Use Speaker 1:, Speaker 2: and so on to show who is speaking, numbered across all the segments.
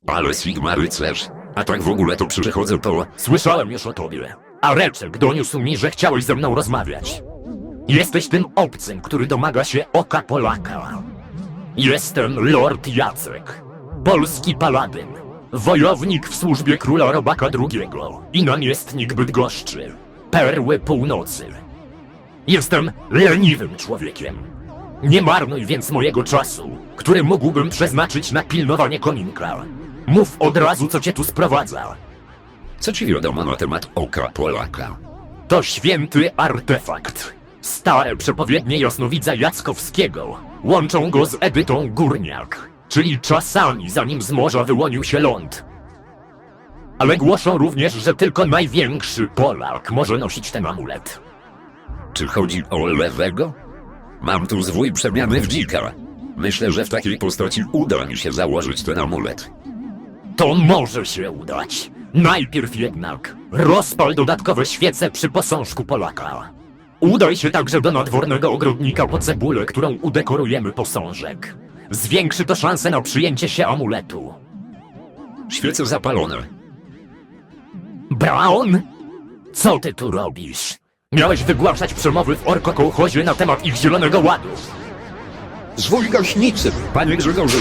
Speaker 1: Ale Sigma rycerz. A tak w ogóle to przychodzę po...
Speaker 2: Słyszałem już o tobie. A Reczek doniósł mi, że chciałeś ze mną rozmawiać. Jesteś tym obcym, który domaga się oka Polaka. Jestem Lord Jacek. Polski paladyn. Wojownik w służbie króla Robaka II i namiestnik Bydgoszczy. Perły Północy. Jestem leniwym człowiekiem. Nie marnuj więc mojego czasu, który mógłbym przeznaczyć na pilnowanie kominka. Mów od razu, co cię tu sprowadza.
Speaker 1: Co ci wiadomo na temat oka Polaka?
Speaker 2: To święty artefakt. Stare przepowiednie jasnowidza Jackowskiego łączą go z Edytą Górniak, czyli czasami zanim z morza wyłonił się ląd. Ale głoszą również, że tylko największy Polak może nosić ten amulet.
Speaker 1: Czy chodzi o lewego? Mam tu zwój przemiany w dzika. Myślę, że w takiej postaci uda mi się założyć ten amulet.
Speaker 2: To może się udać. Najpierw jednak rozpal dodatkowe świece przy posążku Polaka. Udaj się także do nadwornego ogrodnika po cebulę, którą udekorujemy posążek. Zwiększy to szanse na przyjęcie się amuletu.
Speaker 1: Świece zapalone.
Speaker 2: Brown? Co ty tu robisz? Miałeś wygłaszać przemowy w orko-kołchozie na temat ich zielonego ładu.
Speaker 1: Zwój gaśnicy, panie Grzegorzu.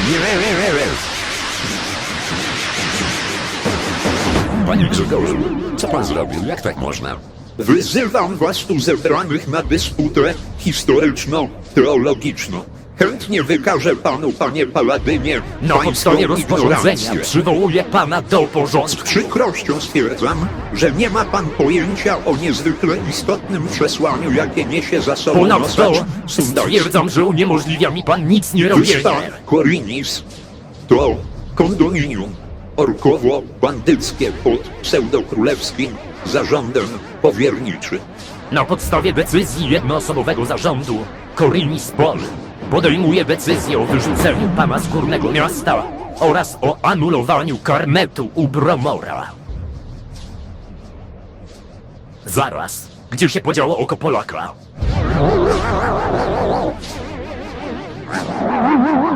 Speaker 1: Panie Grzegorzu, co pan zrobił? Jak tak można?
Speaker 3: Wyzywam was tu zebranych na dysputę historyczno-teologiczną. Chętnie wykażę panu, panie Paladynie,
Speaker 2: Na
Speaker 3: pańską
Speaker 2: podstawie rozporządzenia
Speaker 3: ignorancję.
Speaker 2: przywołuję pana do
Speaker 3: Z
Speaker 2: porządku.
Speaker 3: przykrością stwierdzam, że nie ma pan pojęcia o niezwykle istotnym przesłaniu, jakie niesie za sobą
Speaker 2: Ponadto
Speaker 3: nosacz Sundowski.
Speaker 2: stwierdzam, że uniemożliwia mi pan nic nie
Speaker 3: Wyspa
Speaker 2: robienie.
Speaker 3: Korinis to kondominium orkowo-bandyckie pod pseudokrólewskim zarządem powierniczym.
Speaker 2: Na podstawie decyzji jednoosobowego zarządu Korinis Pol podejmuje decyzję o wyrzuceniu pana z Górnego Miasta oraz o anulowaniu karnetu u Bromora. Zaraz, gdzie się podziało oko Polaka?